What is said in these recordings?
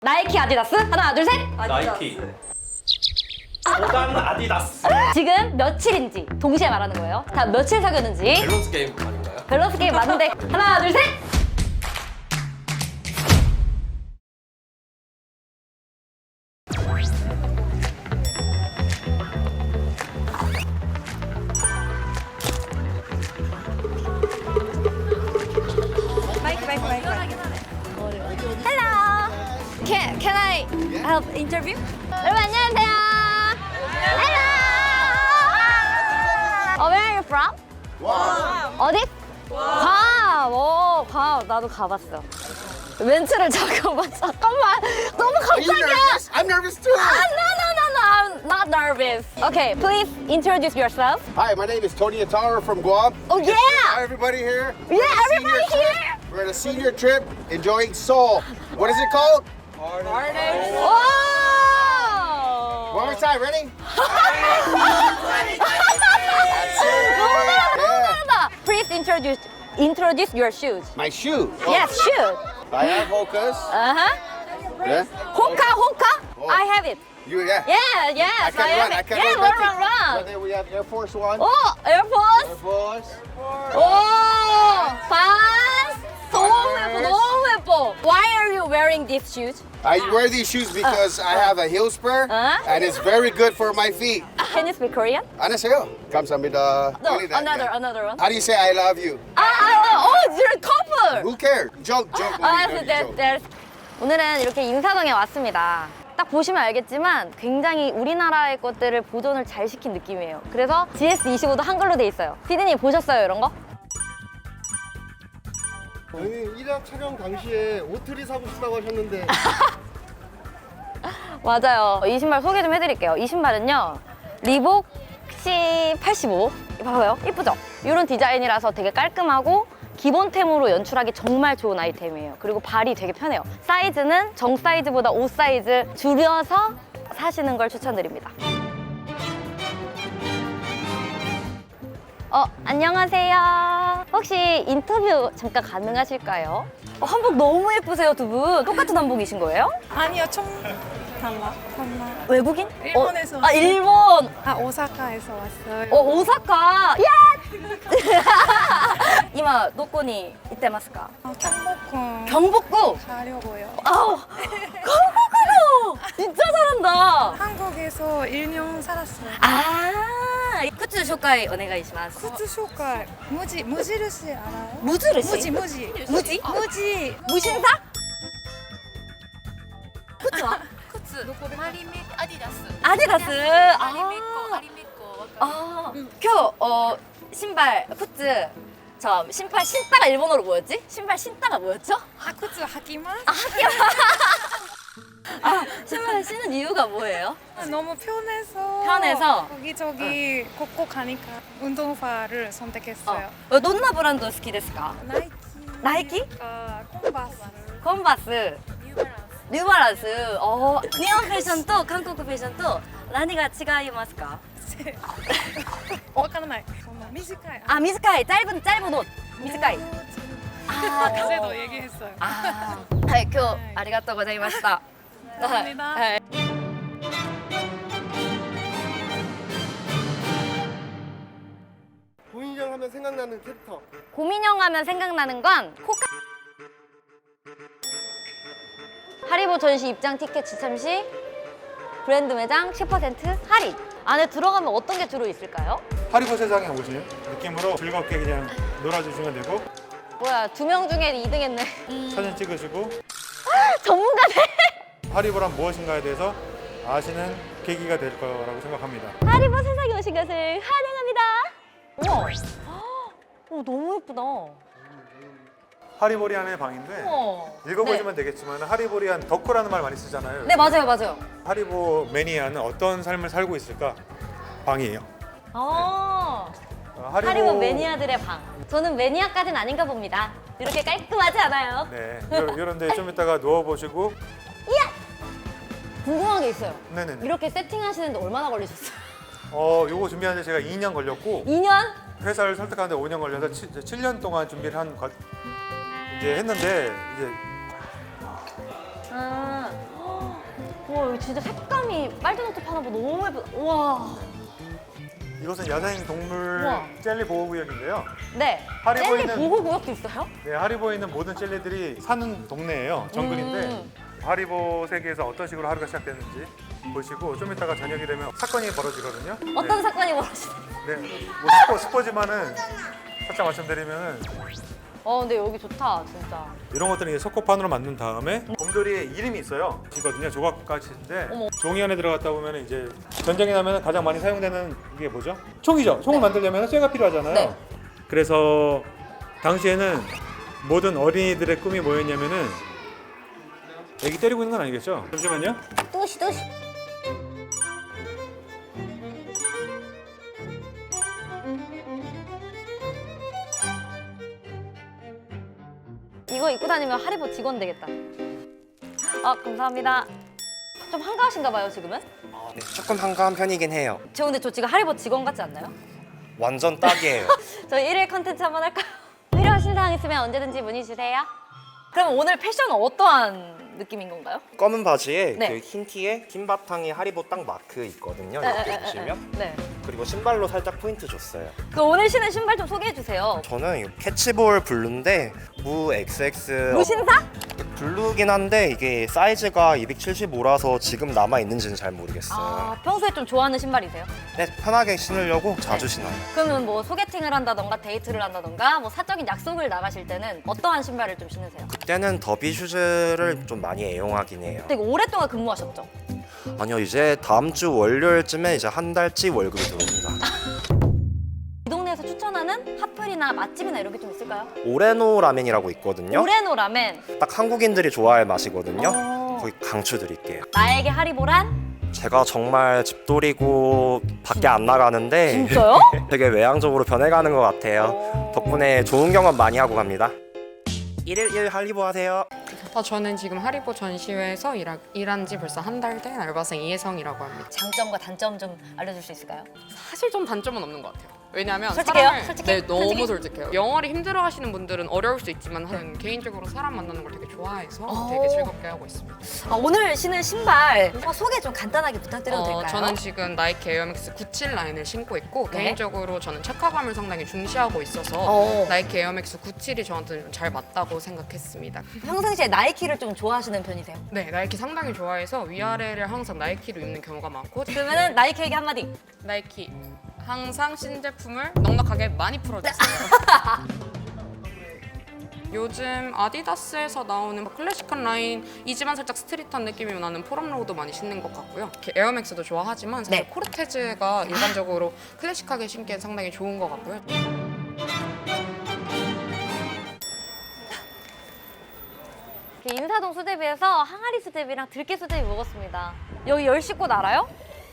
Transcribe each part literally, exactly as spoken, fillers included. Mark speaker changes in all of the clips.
Speaker 1: 나이키, 아디다스? 하나, 둘, 셋!
Speaker 2: 나이키. 보단 아디다스.
Speaker 1: 지금 며칠인지 동시에 말하는 거예요. 다 며칠 사귀었는지.
Speaker 2: 밸런스 게임 아닌가요?
Speaker 1: 밸런스 게임 맞는데 하나, 둘, 셋!
Speaker 3: 마이크 마이크 마이크
Speaker 1: Hello! Can, can I help interview? 여러분 안녕하세요. Hello! Oh, where are you from? 어디? 괌! 오, 괌. 나도 가봤어. 멘트를 잠깐만, 잠깐만. 너무
Speaker 4: Are you
Speaker 1: 갑자기야.
Speaker 4: nervous? I'm nervous too.
Speaker 1: Ah, no, no, no, no. I'm not nervous. Okay, please introduce yourself.
Speaker 4: Hi, my name is Tony Atara from Guam.
Speaker 1: Oh, yeah!
Speaker 4: Hi, everybody here.
Speaker 1: Yeah,
Speaker 4: We're on a
Speaker 1: everybody
Speaker 4: senior trip.
Speaker 1: here.
Speaker 4: We're on a senior trip enjoying Seoul. What is it called?
Speaker 1: Oh!
Speaker 4: One more time, ready?
Speaker 1: 너무 잘한다, 너무
Speaker 4: Yeah.
Speaker 1: 잘한다. Please introduce introduce your shoes.
Speaker 4: My shoe.
Speaker 1: Yes, shoes.
Speaker 4: I have Hoka's.
Speaker 1: Uh huh.
Speaker 4: Yeah.
Speaker 1: Hoka, Hoka.
Speaker 4: Oh.
Speaker 1: I have it.
Speaker 4: You, yeah.
Speaker 1: Yeah, yes.
Speaker 4: I can
Speaker 1: have
Speaker 4: run.
Speaker 1: it.
Speaker 4: I can
Speaker 1: yeah,
Speaker 4: run.
Speaker 1: run,
Speaker 4: That's
Speaker 1: run,
Speaker 4: it.
Speaker 1: run.
Speaker 4: But then we have Air Force One.
Speaker 1: Oh, Air Force.
Speaker 4: Air Force.
Speaker 1: 오, 반스. 너무 예뻐, 너무 예뻐. Why are you wearing these shoes?
Speaker 4: I wear these shoes because I have a heel spur
Speaker 1: Uh.
Speaker 4: and it's very good for my feet.
Speaker 1: Can you speak Korean?
Speaker 4: 안녕하세요. 감사합니다.
Speaker 1: No,
Speaker 4: Only that,
Speaker 1: another,
Speaker 4: yeah.
Speaker 1: another one.
Speaker 4: How do you say I love you?
Speaker 1: 아, 아, oh, you're a couple.
Speaker 4: Who cares? Joke, joke.
Speaker 1: 아,
Speaker 4: movie,
Speaker 1: 네,
Speaker 4: joke.
Speaker 1: 네. 오늘은 이렇게 인사동에 왔습니다. 딱 보시면 알겠지만 굉장히 우리나라의 것들을 보존을 잘 시킨 느낌이에요. 그래서 지에스 이십오도 한글로 돼 있어요. 피디님 보셨어요, 이런 거?
Speaker 5: 아니 일 화 촬영 당시에 오트리 사고 싶다고 하셨는데
Speaker 1: 맞아요. 이 신발 소개 좀 해드릴게요. 이 신발은요, 리복 씨 팔십오. 봐봐요. 이쁘죠? 이런 디자인이라서 되게 깔끔하고 기본템으로 연출하기 정말 좋은 아이템이에요. 그리고 발이 되게 편해요. 사이즈는 정 사이즈보다 오 사이즈 줄여서 사시는 걸 추천드립니다. 어, 안녕하세요. 혹시 인터뷰 잠깐 가능하실까요? 어, 한복 너무 예쁘세요, 두 분. 똑같은 한복이신 거예요?
Speaker 3: 아니요 좀 달라 달라
Speaker 1: 외국인?
Speaker 3: 일본에서
Speaker 1: 어, 아,
Speaker 3: 왔어요.
Speaker 1: 일본.
Speaker 3: 아 오사카에서 왔어요
Speaker 1: 어, 오사카. 야! 今どこに行ってますか?
Speaker 3: 아, 경복궁
Speaker 1: 경복궁.
Speaker 3: 가려고요
Speaker 1: 아우, 경복궁. 진짜 잘한다.
Speaker 3: 한국에서 일 년 살았어요
Speaker 1: 아, 굿즈紹介 お願いします.
Speaker 3: 굿즈 쇼카 무지 무지르시 알아요?
Speaker 1: 무지르시?
Speaker 3: 무지 무지
Speaker 1: 무지?
Speaker 3: 무지
Speaker 1: 무신사? 굿즈와? 아디다스. 아. 아, 今日 어, 신발 굿즈. 저 신발 신다가 일본어로 뭐였지? 신발 신다가 뭐였죠?
Speaker 3: 아 굿즈 하기만?
Speaker 1: 아, 신발 신는 이유가 뭐예요?
Speaker 3: 아, 너무 편해서
Speaker 1: 편해서?
Speaker 3: 거기저기 곳곳 가니까 운동화를 선택했어요
Speaker 1: 어, 논나 브랜드 好きですか?
Speaker 3: 나이키
Speaker 1: 나이키?
Speaker 3: 아, 콤바스
Speaker 1: 컨버스. 뉴발란스. 어, 일본 패션と 한국 패션と 何が違いますか?
Speaker 3: わからない短い
Speaker 1: 아,短い. 짧은 짧은 옷. 短い. 아,
Speaker 3: 그제도 얘기했어요
Speaker 1: 아, 네, 今日ありがとうございました.
Speaker 3: 감사합니다.
Speaker 1: 네.
Speaker 5: 고인형 하면 생각나는 캐릭터
Speaker 1: 고민형 하면 생각나는 건 코카. 하리보 전시 입장 티켓 지참 시 브랜드 매장 십 퍼센트 할인. 안에 들어가면 어떤 게 주로 있을까요?
Speaker 6: 하리보 세상에 오신 느낌으로 즐겁게 그냥 놀아주시면 되고
Speaker 1: 뭐야, 두 명 중에 이 등 했네.
Speaker 6: 사진 찍으시고
Speaker 1: 전문가네.
Speaker 6: 하리보란 무엇인가에 대해서 아시는 계기가 될 거라고 생각합니다.
Speaker 1: 하리보 세상에 오신 것을 환영합니다. 우와. 오, 너무 예쁘다.
Speaker 6: 하리보리안의 방인데
Speaker 1: 우와.
Speaker 6: 읽어보시면 되겠지만 하리보리안 덕후라는 말 많이 쓰잖아요.
Speaker 1: 네. 네, 맞아요, 맞아요.
Speaker 6: 하리보 매니아는 어떤 삶을 살고 있을까? 방이에요.
Speaker 1: 아,
Speaker 6: 어,
Speaker 1: 하리보 매니아들의 방. 저는 매니아까지는 아닌가 봅니다. 이렇게 깔끔하지 않아요.
Speaker 6: 네, 이런데 좀 이따가 누워보시고
Speaker 1: 궁금한 게 있어요.
Speaker 6: 네네네.
Speaker 1: 이렇게 세팅하시는데 얼마나 걸리셨어요?
Speaker 6: 어, 요거 준비하는데 제가 이 년 걸렸고
Speaker 1: 이 년?
Speaker 6: 회사를 설득하는데 오 년 걸려서 칠 년 동안 준비를 한 것, 이제 했는데 이제
Speaker 1: 아, 진짜 색감이 빨주노트 파나보 너무 예쁘다. 우와.
Speaker 6: 이곳은 야생 동물
Speaker 1: 우와.
Speaker 6: 젤리 보호구역인데요.
Speaker 1: 네.
Speaker 6: 하리보이는-
Speaker 1: 젤리 보호구역도 있어요?
Speaker 6: 네, 하리보에 있는 모든 젤리들이 사는 동네예요. 정글인데
Speaker 1: 음.
Speaker 6: 하리보 세계에서 어떤 식으로 하루가 시작되는지 보시고 좀 이따가 저녁이 되면 사건이 벌어지거든요.
Speaker 1: 어떤
Speaker 6: 네.
Speaker 1: 사건이 벌어지나요?
Speaker 6: 네, 뭐 스포, 스포지만은 살짝 말씀드리면은
Speaker 1: 어, 근데 여기 좋다, 진짜.
Speaker 6: 이런 것들은 이제 석고판으로 만든 다음에 곰돌이의 이름이 있어요. 이거든요. 조각가시인데
Speaker 1: 어머.
Speaker 6: 종이 안에 들어갔다 보면 이제 전쟁이 나면 가장 많이 사용되는 이게 뭐죠? 총이죠. 총을
Speaker 1: 네.
Speaker 6: 만들려면 쇠가 필요하잖아요.
Speaker 1: 네.
Speaker 6: 그래서 당시에는 모든 어린이들의 꿈이 뭐였냐면은 애기 때리고 있는 건 아니겠죠? 잠시만요.
Speaker 1: 또시, 또시. 이거 입고 다니면 하리보 직원 되겠다. 아, 감사합니다. 좀 한가하신가 봐요, 지금은?
Speaker 7: 아, 네, 조금 한가한 편이긴 해요.
Speaker 1: 저 근데 저 지금 하리보 직원 같지 않나요?
Speaker 7: 완전 딱이에요.
Speaker 1: 저희 일일 컨텐츠 한번 할까요? 필요하신 사항 있으면 언제든지 문의 주세요. 그럼 오늘 패션은 어떠한 느낌인 건가요?
Speaker 7: 검은 바지에
Speaker 1: 네.
Speaker 7: 그 흰 티에 흰 바탕에 하리보 딱 마크 있거든요.
Speaker 1: 네,
Speaker 7: 이렇게
Speaker 1: 네,
Speaker 7: 보시면.
Speaker 1: 네.
Speaker 7: 그리고 신발로 살짝 포인트 줬어요.
Speaker 1: 그 오늘 신은 신발 좀 소개해 주세요.
Speaker 7: 저는 이 캐치볼 블루인데 무 엑스엑스
Speaker 1: 무신사?
Speaker 7: 블루긴 한데 이게 사이즈가 이백칠십오라서 지금 남아 있는지는 잘 모르겠어요.
Speaker 1: 아, 평소에 좀 좋아하는 신발이세요?
Speaker 7: 네, 편하게 신으려고 자주 신어요.
Speaker 1: 그러면 뭐 소개팅을 한다던가 데이트를 한다던가 뭐 사적인 약속을 나가실 때는 어떠한 신발을 좀 신으세요?
Speaker 7: 그때는 더비 슈즈를 좀 많이 애용하긴 해요.
Speaker 1: 되게 오랫동안 근무하셨죠?
Speaker 7: 아니요, 이제 다음 주 월요일쯤에 이제 한 달치 월급이 들어옵니다.
Speaker 1: 이 동네에서 추천하는 핫플이나 맛집이나 이런 게 좀 있을까요?
Speaker 7: 오레노 라멘이라고 있거든요.
Speaker 1: 오레노 라멘.
Speaker 7: 딱 한국인들이 좋아할 맛이거든요.
Speaker 1: 어.
Speaker 7: 거기 강추드릴게요.
Speaker 1: 나에게 하리보란?
Speaker 7: 제가 정말 집돌이고 밖에 안 나가는데
Speaker 1: 진짜요?
Speaker 7: 되게 외향적으로 변해가는 것 같아요.
Speaker 1: 오.
Speaker 7: 덕분에 좋은 경험 많이 하고 갑니다. 일일일 할리보 하세요.
Speaker 8: 아, 저는 지금 하리보 전시회에서 일하, 일한 지 벌써 한 달 된 알바생 이혜성이라고 합니다.
Speaker 1: 장점과 단점 좀 알려줄 수 있을까요?
Speaker 8: 사실 좀 단점은 없는 것 같아요. 왜냐하면
Speaker 1: 솔직해요?
Speaker 8: 사람을-
Speaker 1: 솔직해?
Speaker 8: 네, 너무
Speaker 1: 솔직히?
Speaker 8: 솔직해요. 영어를 힘들어하시는 분들은 어려울 수 있지만 저는 개인적으로 사람 만나는 걸 되게 좋아해서
Speaker 1: 오.
Speaker 8: 되게 즐겁게 하고 있습니다.
Speaker 1: 아, 오늘 신은 신발 어, 소개 좀 간단하게 부탁드려도
Speaker 8: 어,
Speaker 1: 될까요?
Speaker 8: 저는 지금 나이키 에어맥스 구십칠 라인을 신고 있고
Speaker 1: 네.
Speaker 8: 개인적으로 저는 체카감을 상당히 중시하고 있어서
Speaker 1: 어.
Speaker 8: 나이키 에어맥스 구십칠이 저한테 좀 잘 맞다고 생각했습니다.
Speaker 1: 평상시에 나이키를 좀 좋아하시는 편이세요?
Speaker 8: 네, 나이키 상당히 좋아해서 위아래를 항상 나이키로 입는 경우가 많고
Speaker 1: 그러면은 나이키에게 한마디.
Speaker 8: 나이키 항상 신제품을 넉넉하게 많이 풀어주세요. 요즘 아디다스에서 나오는 클래식한 라인이지만 살짝 스트릿한 느낌이 나는 포럼로우도 많이 신는 것 같고요. 이렇게 에어맥스도 좋아하지만 사실
Speaker 1: 네.
Speaker 8: 코르테즈가 일반적으로 클래식하게 신기엔 상당히 좋은 것 같고요.
Speaker 1: 인사동 수제비에서 항아리 수제비랑 들깨 수제비 먹었습니다. 여기 열시꽃 알아요?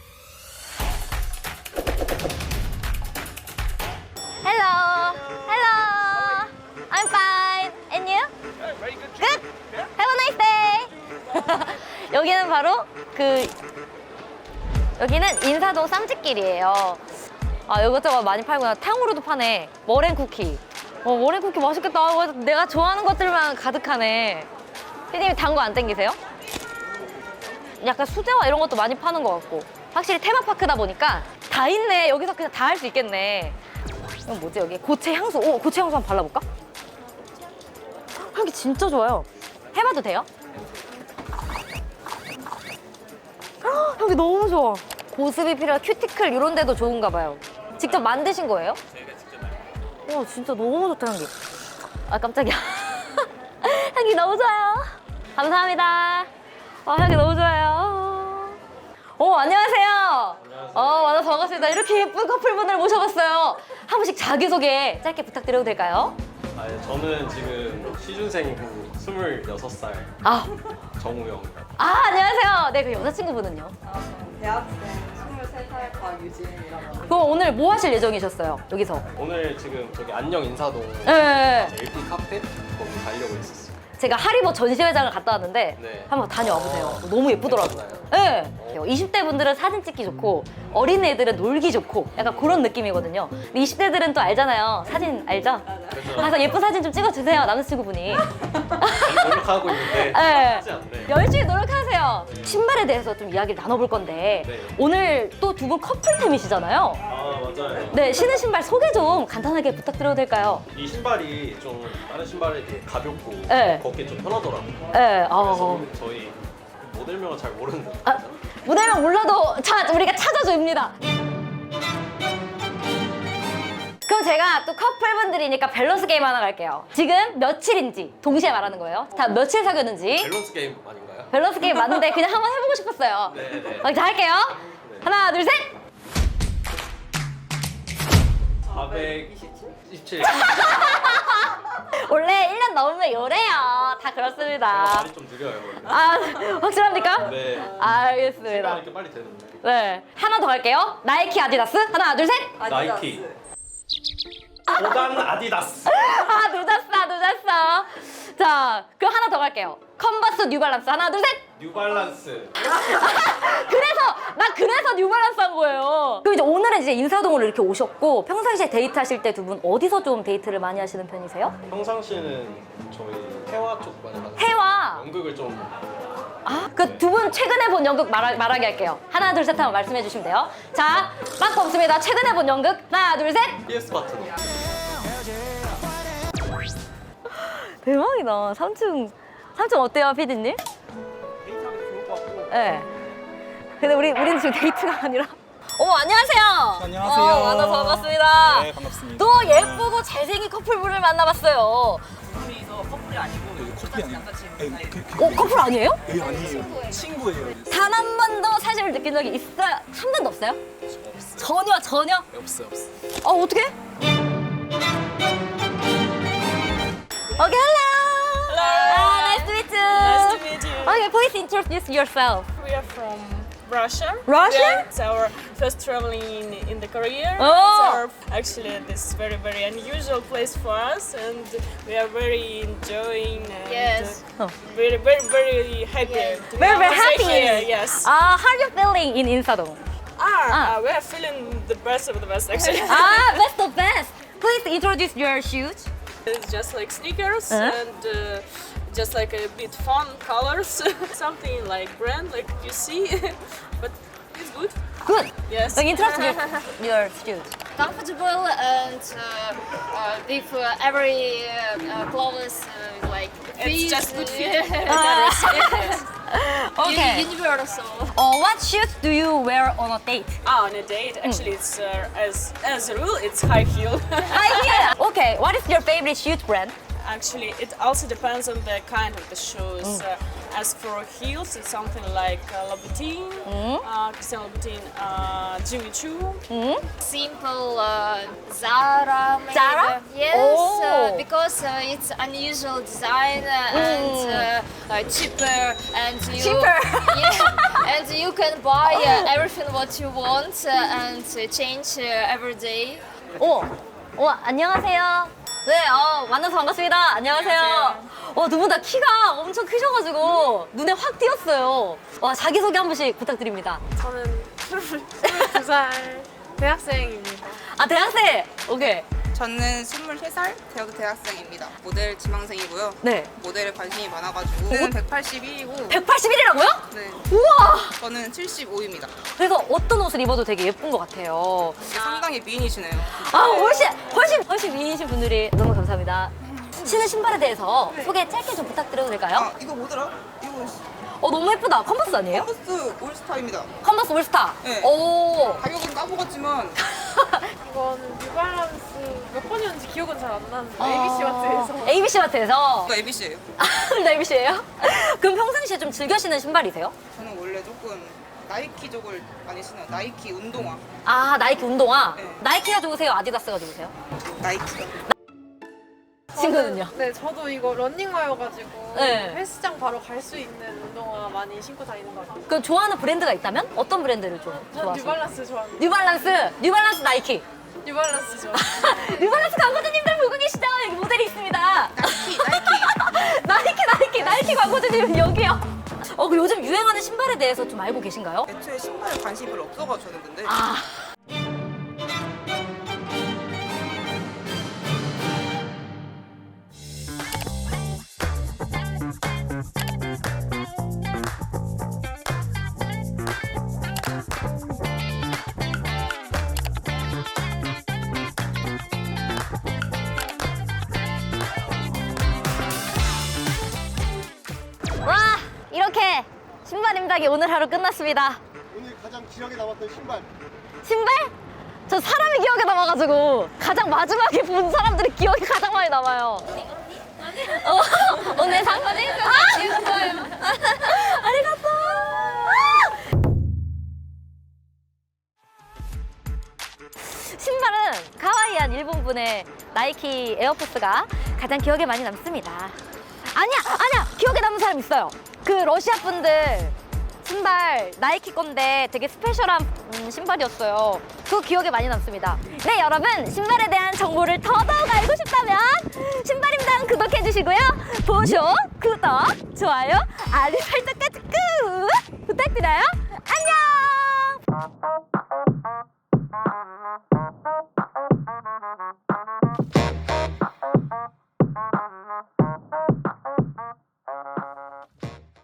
Speaker 1: Hello. Hello. I'm fine. And you? Good. Have a nice day. 여기는 바로 그 여기는 인사동 쌈짓길이에요. 아, 이것저것 많이 팔구나. 탕후루도 파네. 머랭 쿠키. 어, 머랭 쿠키 맛있겠다. 어, 내가 좋아하는 것들만 가득하네. 피디님 단 거 안 땡기세요? 약간 수제화 이런 것도 많이 파는 것 같고 확실히 테마파크다 보니까 다 있네. 여기서 그냥 다 할 수 있겠네. 이건 뭐지 여기? 고체 향수. 오, 고체 향수 한번 발라볼까? 향기 진짜 좋아요. 해봐도 돼요? 헉, 향기 너무 좋아. 보습이 필요한 큐티클 이런 데도 좋은가 봐요. 직접 만드신 거예요? 와, 진짜 너무 좋다 향기. 아, 깜짝이야. 향기 너무 좋아요. 감사합니다. 아, 향기 너무 좋아요. 어, 안녕하세요. 안녕하세요. 어, 만나서 반갑습니다. 이렇게 예쁜 커플분을 모셔봤어요. 한 분씩 자기소개 짧게 부탁드려도 될까요?
Speaker 2: 아, 예, 저는 지금 시준생이고 스물여섯 살
Speaker 1: 아,
Speaker 2: 정우영입니다.
Speaker 1: 아 안녕하세요. 네, 그 여자친구분은요?
Speaker 9: 대학생 스물세 살 박유진이라고.
Speaker 1: 그럼 오늘 뭐 하실 예정이셨어요? 여기서?
Speaker 2: 오늘 지금 저기 안녕 인사동
Speaker 1: 네.
Speaker 2: 엘피 카페 거기 가려고 했었어요.
Speaker 1: 제가 하리보 전시회장을 갔다 왔는데
Speaker 2: 네.
Speaker 1: 한번 다녀와 보세요. 너무 예쁘더라고요.
Speaker 2: 괜찮나요?
Speaker 1: 네. 이십 대 분들은 사진 찍기 좋고 어린 애들은 놀기 좋고 약간 그런 느낌이거든요. 근데 이십 대들은 또 알잖아요. 사진 알죠?
Speaker 2: 그래서
Speaker 1: 가서 예쁜 사진 좀 찍어주세요, 남자친구분이.
Speaker 2: 많이 노력하고 있는데
Speaker 1: 네.
Speaker 2: 쉽지 않네.
Speaker 1: 열심히 노력하세요. 신발에 신발에 대해서 좀 이야기를 나눠볼 건데
Speaker 2: 네.
Speaker 1: 오늘 또 두 분 커플템이시잖아요.
Speaker 2: 아 맞아요.
Speaker 1: 네, 신은 신발 소개 좀 간단하게 부탁드려도 될까요?
Speaker 2: 이 신발이 좀 다른 신발에 비해 가볍고
Speaker 1: 네.
Speaker 2: 걷기 좀 편하더라고요.
Speaker 1: 네,
Speaker 2: 그래서
Speaker 1: 어,
Speaker 2: 저희 모델명은 잘 모르는데
Speaker 1: 아, 무대명 몰라도 자, 우리가 찾아줍니다. 그럼 제가 또 커플분들이니까 밸런스 게임 하나 갈게요. 지금 며칠인지 동시에 말하는 거예요. 다 며칠 사귀었는지.
Speaker 2: 밸런스 게임 아닌가요?
Speaker 1: 밸런스 게임 맞는데 그냥 한번 해보고 싶었어요.
Speaker 2: 네네.
Speaker 1: 어, 자, 할게요. 하나, 둘, 셋.
Speaker 2: 사백이십칠.
Speaker 1: 원래 일 년 넘으면 요래요. 다 그렇습니다.
Speaker 2: 말이 좀 느려요. 원래.
Speaker 1: 아, 확실합니까?
Speaker 2: 네.
Speaker 1: 알겠습니다.
Speaker 2: 생각 이렇게 빨리 되는데.
Speaker 1: 네. 하나 더 갈게요. 나이키, 아디다스. 하나, 둘, 셋.
Speaker 2: 나이키. 보단 아디다스.
Speaker 1: 아, 늦었어, 늦었어. 자, 그럼 하나 더 갈게요. 컨버스, 뉴발란스. 하나, 둘, 셋.
Speaker 2: 뉴발란스.
Speaker 1: 그래서 나 그래서 뉴발란스 한 거예요. 그럼 이제 오늘은 이제 인사동으로 이렇게 오셨고 평상시에 데이트하실 때 두 분 어디서 좀 데이트를 많이 하시는 편이세요?
Speaker 2: 평상시에는 저희 해화 쪽 많이 가는.
Speaker 1: 해와.
Speaker 2: 연극을 좀.
Speaker 1: 아, 그 두 분 최근에 본 연극 말하, 말하게 할게요. 하나, 둘, 셋 하면 말씀해 주시면 돼요. 자, 빠꾸 없습니다. 최근에 본 연극. 하나, 둘, 셋.
Speaker 2: 피에스 파트너.
Speaker 1: 대박이다. 삼 층. 삼 층 어때요, 피디님?
Speaker 5: 데이트하기 좋을 것 같고.
Speaker 1: 네. 근데 우리, 우리는 지금 데이트가 아니라. 어머, 안녕하세요.
Speaker 10: 안녕하세요.
Speaker 1: 어, 만나서 반갑습니다.
Speaker 10: 네, 반갑습니다.
Speaker 1: 또 예쁘고 잘생긴 커플분을 만나봤어요.
Speaker 10: 커플이 아니고 에이, 그,
Speaker 1: 어, 커플 아니에요?
Speaker 10: 에이, 아니에요. 친구예요.
Speaker 1: 단 한 번도 사실을 느낀 적이 있어요? 한 번도 없어요? 전혀, 전혀?
Speaker 10: 없어 없어.
Speaker 1: 어, 어떡해? Okay, hello.
Speaker 3: Hello.
Speaker 1: Ah, nice to meet you.
Speaker 3: Nice to meet you.
Speaker 1: Okay, please introduce yourself.
Speaker 3: We are from Russia.
Speaker 1: Russia?
Speaker 3: Yeah, it's our first traveling in, in the career.
Speaker 1: Oh.
Speaker 3: It's our, actually, this is very, very unusual place for us, and we are very enjoying and
Speaker 9: Yes.
Speaker 3: uh, very, very, very happy. to be
Speaker 1: Very, very
Speaker 3: also
Speaker 1: happy.
Speaker 3: Here. Yes.
Speaker 1: Ah, how are you feeling in Insadong?
Speaker 3: ah,
Speaker 1: ah.
Speaker 3: uh, we are feeling the best of the best, actually.
Speaker 1: Ah, that's the best. Please introduce your shoes.
Speaker 3: It's just like sneakers
Speaker 1: Uh-huh.
Speaker 3: and uh, just like a bit fun colors, something like brand, like you see, but it's good.
Speaker 1: Good.
Speaker 3: Yes.
Speaker 1: So introduce your shoes.
Speaker 9: Comfortable and uh, uh, with uh, every uh, uh, clothes uh, like
Speaker 3: It's
Speaker 9: fit,
Speaker 3: just good fit.
Speaker 9: uh,
Speaker 1: Okay.
Speaker 9: uni- universal.
Speaker 1: Uh, what shoes do you wear on a date?
Speaker 3: Ah, on a date, actually, it's uh, as as a rule, it's high heel.
Speaker 1: High heel. Okay. What is your favorite shoes brand?
Speaker 3: Actually, it also depends on the kind of the shoes. Uh, as for heels, it's something like uh, Louboutin, uh, Christian Louboutin, uh, Jimmy Choo.
Speaker 9: Simple uh, Zara. Maybe.
Speaker 1: Zara?
Speaker 9: Yes,
Speaker 1: Oh.
Speaker 9: uh, because uh, it's unusual design uh, and uh, uh, cheaper and you
Speaker 1: Cheaper.
Speaker 9: yeah, and you can buy uh, everything what you want uh, and uh, change uh, every day.
Speaker 1: 어, 어, 안녕하세요. 네, 어, 만나서 반갑습니다. 안녕하세요. 와, 두 분 다 키가 엄청 크셔가지고 눈에 확 띄었어요. 와, 자기소개 한 번씩 부탁드립니다.
Speaker 3: 저는 스물두 살 대학생입니다.
Speaker 1: 아, 대학생! 오케이.
Speaker 11: 저는 스물세 살 대학교 대학생입니다. 모델 지망생이고요.
Speaker 1: 네.
Speaker 11: 모델에 관심이 많아가지고 저는 백팔십일이고
Speaker 1: 백팔십일이라고요?
Speaker 11: 네.
Speaker 1: 우와!
Speaker 11: 저는 칠십오입니다.
Speaker 1: 그래서 어떤 옷을 입어도 되게 예쁜 것 같아요.
Speaker 11: 상당히 미인이시네요.
Speaker 1: 아, 훨씬, 훨씬, 훨씬 미인이신 분들이 너무 감사합니다. 신은 신발에 대해서 소개 짧게 좀 부탁드려도 될까요?
Speaker 11: 아 이거 뭐더라? 이거
Speaker 1: 어, 너무 예쁘다. 컨버스 아니에요?
Speaker 11: 컨버스 올스타입니다.
Speaker 1: 컨버스 올스타.
Speaker 11: 네.
Speaker 1: 오.
Speaker 11: 가격은 까먹었지만
Speaker 3: 이거는 뉴발란스 몇 번이었는지 기억은 잘 안 나는데
Speaker 1: 어.
Speaker 3: 에이비씨 마트에서
Speaker 1: 에이비씨 마트에서.
Speaker 11: 이거 에비씨예요.
Speaker 1: 아, 에이비씨예요? 그럼 평상시에 좀 즐겨 신는 신발이세요?
Speaker 11: 저는 원래 조금 나이키 쪽을 많이 신어요. 나이키 운동화.
Speaker 1: 아, 나이키 운동화.
Speaker 11: 네.
Speaker 1: 나이키가 좋으세요? 아디다스가 좋으세요?
Speaker 11: 나이키요.
Speaker 1: 친구는요?
Speaker 3: 네, 저도 이거 런닝화여가지고
Speaker 1: 네.
Speaker 3: 헬스장 바로 갈 수 있는 운동화 많이 신고 다니는 것 같아요.
Speaker 1: 그럼 좋아하는 브랜드가 있다면 어떤 브랜드를 좀
Speaker 3: 전
Speaker 1: 좋아하세요?
Speaker 3: 뉴발란스 좋아합니다.
Speaker 1: 뉴발란스, 뉴발란스 나이키.
Speaker 3: 뉴발란스 좋아해요.
Speaker 1: 뉴발란스 광고주님들 보고 계시죠? 여기 모델이 있습니다.
Speaker 11: 나이키 나이키.
Speaker 1: 나이키, 나이키, 나이키 광고주님 여기요. 어, 그 요즘 유행하는 신발에 대해서 좀 알고 계신가요?
Speaker 11: 애초에 신발에 관심이 별로 없어가지고 저는 근데
Speaker 1: 아. 신발 임박이 오늘 하루 끝났습니다.
Speaker 5: 오늘 가장 기억에 남았던 신발.
Speaker 1: 신발? 저 사람이 기억에 남아가지고 가장 마지막에 본 사람들이 기억이 가장 많이 남아요. 어, 오늘 상? 아! 아리가또! 신발은 카와이한 일본 분의 나이키 에어포스가 가장 기억에 많이 남습니다. 아니야, 아니야, 기억에 남는 사람 있어요. 그 러시아 분들 신발 나이키 건데 되게 스페셜한 음, 신발이었어요. 그거 기억에 많이 남습니다. 네, 여러분 신발에 대한 정보를 더더욱 알고 싶다면 신발임당 구독해주시고요. 보쇼, 구독, 좋아요, 알림 설정까지 꾹 부탁드려요. 안녕.